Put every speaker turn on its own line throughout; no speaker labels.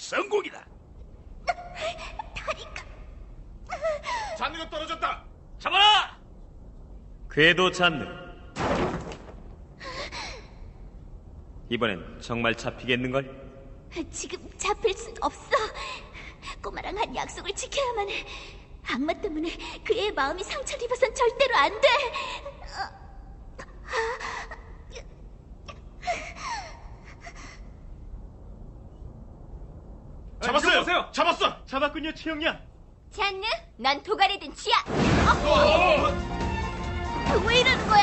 성공이다.
다리가...
잔느가 떨어졌다.
잡아라!
궤도 잔느. 이번엔 정말 잡히겠는걸?
지금 잡힐 순 없어. 꼬마랑 한 약속을 지켜야만 해. 악마 때문에 그 애의 마음이 상처를 입어선 절대로 안 돼.
잡았어요. 잡았어. 잡았군요, 최영양.
잔느, 난 도가래든 쥐야. 왜 이러는 거야?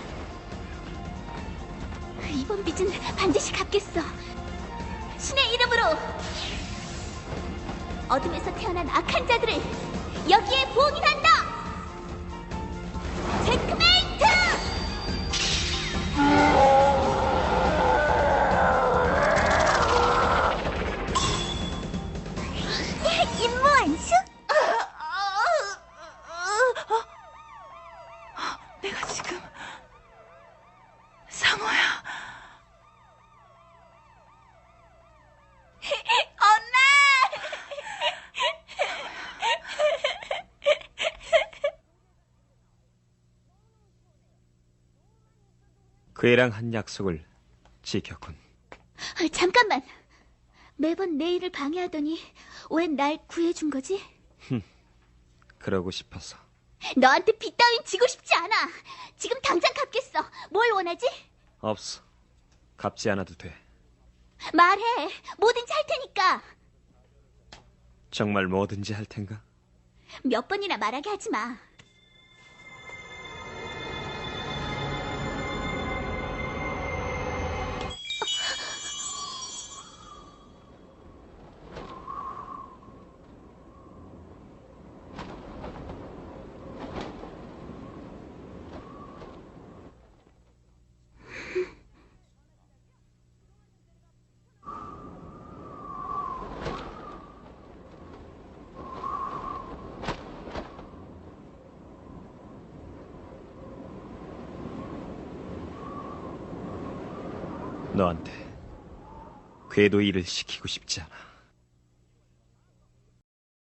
이번 빚은 반드시 갚겠어. 신의 이름으로 어둠에서 태어난 악한 자들을 여기에 봉인한다. 체크메이트! 임무 완수?
내가 지금 상어야.
그 애랑 한 약속을 지켰군.
잠깐만. 매번 내 일을 방해하더니 왜 날 구해준 거지?
그러고 싶어서.
너한테 빚 따윈 지고 싶지 않아. 지금 당장 갚겠어. 뭘 원하지?
없어. 갚지 않아도 돼.
말해. 뭐든지 할 테니까.
정말 뭐든지 할 텐가?
몇 번이나 말하게 하지 마.
너한테 궤도 일을 시키고 싶지 않아.